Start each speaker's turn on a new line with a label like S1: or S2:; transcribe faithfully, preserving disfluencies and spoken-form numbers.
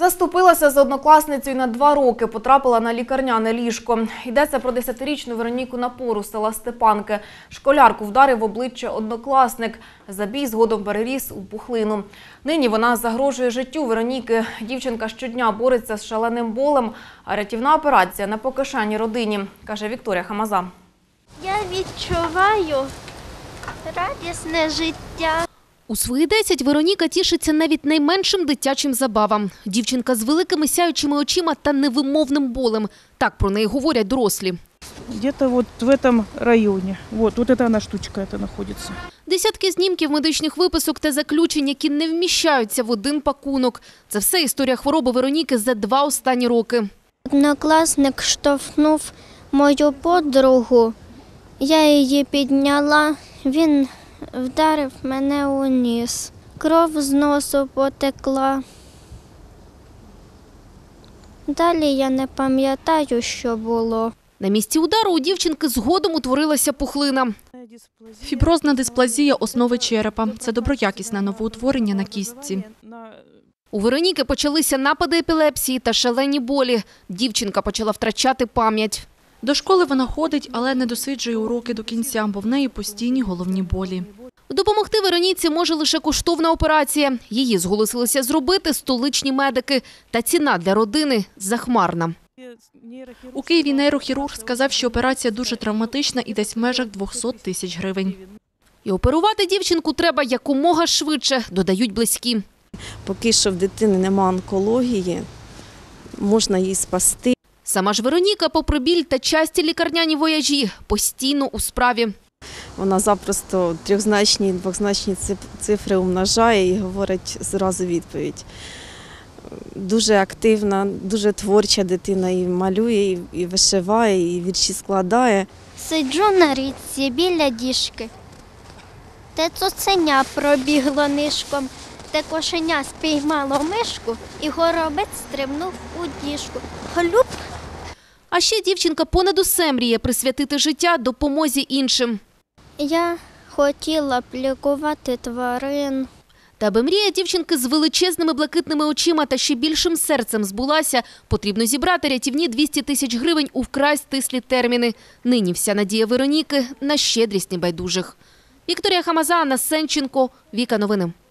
S1: Заступилася з однокласницею на два роки, потрапила на лікарняне ліжко. Йдеться про десятирічну Вероніку Напору з села Степанки. Школярку вдарив в обличчя однокласник. Забій згодом переріс у пухлину. Нині вона загрожує життю Вероніки. Дівчинка щодня бореться з шаленим болем, а рятівна операція не по кишені родині, каже Вікторія Хамаза.
S2: Я відчуваю радісне життя.
S3: У свої десять Вероніка тішиться навіть найменшим дитячим забавам. Дівчинка з великими сяючими очима та невимовним болем. Так про неї говорять дорослі.
S4: Где-то вот в этом районе. Вот, вот эта она штучка это находится.
S3: Десятки знімків, медичних виписок та заключень, які не вміщаються в один пакунок. Це все історія хвороби Вероніки за два останні роки.
S2: Однокласник штовхнув мою подругу. Я її підняла, він вдарив мене у ніс. Кров з носу потекла. Далі я не пам'ятаю, що було.
S3: На місці удару у дівчинки згодом утворилася пухлина.
S5: Фіброзна дисплазія основи черепа – це доброякісне новоутворення на кістці.
S3: У Вероніки почалися напади епілепсії та шалені болі. Дівчинка почала втрачати пам'ять.
S5: До школи вона ходить, але не досиджує уроки до кінця, бо в неї постійні головні болі.
S3: Допомогти Вероніці може лише коштовна операція. Її зголосилися зробити столичні медики. Та ціна для родини захмарна.
S5: У Києві нейрохірург сказав, що операція дуже травматична і десь в межах двохсот тисяч гривень.
S3: І оперувати дівчинку треба якомога швидше, додають близькі.
S6: Поки що в дитини немає онкології, можна її спасти.
S3: Сама ж Вероніка, попри біль та часті лікарняні вояжі, постійно у справі.
S6: Вона запросто трьохзначні, двозначні цифри умножає і говорить зразу відповідь. Дуже активна, дуже творча дитина, і малює, і вишиває, і вірші складає.
S2: Сиджу на річці біля діжки. Те цуценя пробігло нишком, те кошеня спіймало мишку, і горобець стрибнув у діжку. Глюб!
S3: А ще дівчинка понад усе мріє присвятити життя допомозі іншим.
S2: Я хотіла б лікувати тварин.
S3: Та аби мрія дівчинки з величезними блакитними очима та ще більшим серцем збулася, потрібно зібрати рятівні двісті тисяч гривень у вкрай стислі терміни. Нині вся надія Вероніки на щедрість небайдужих. Вікторія Хамаза, Анна Сенченко, Віка Новини.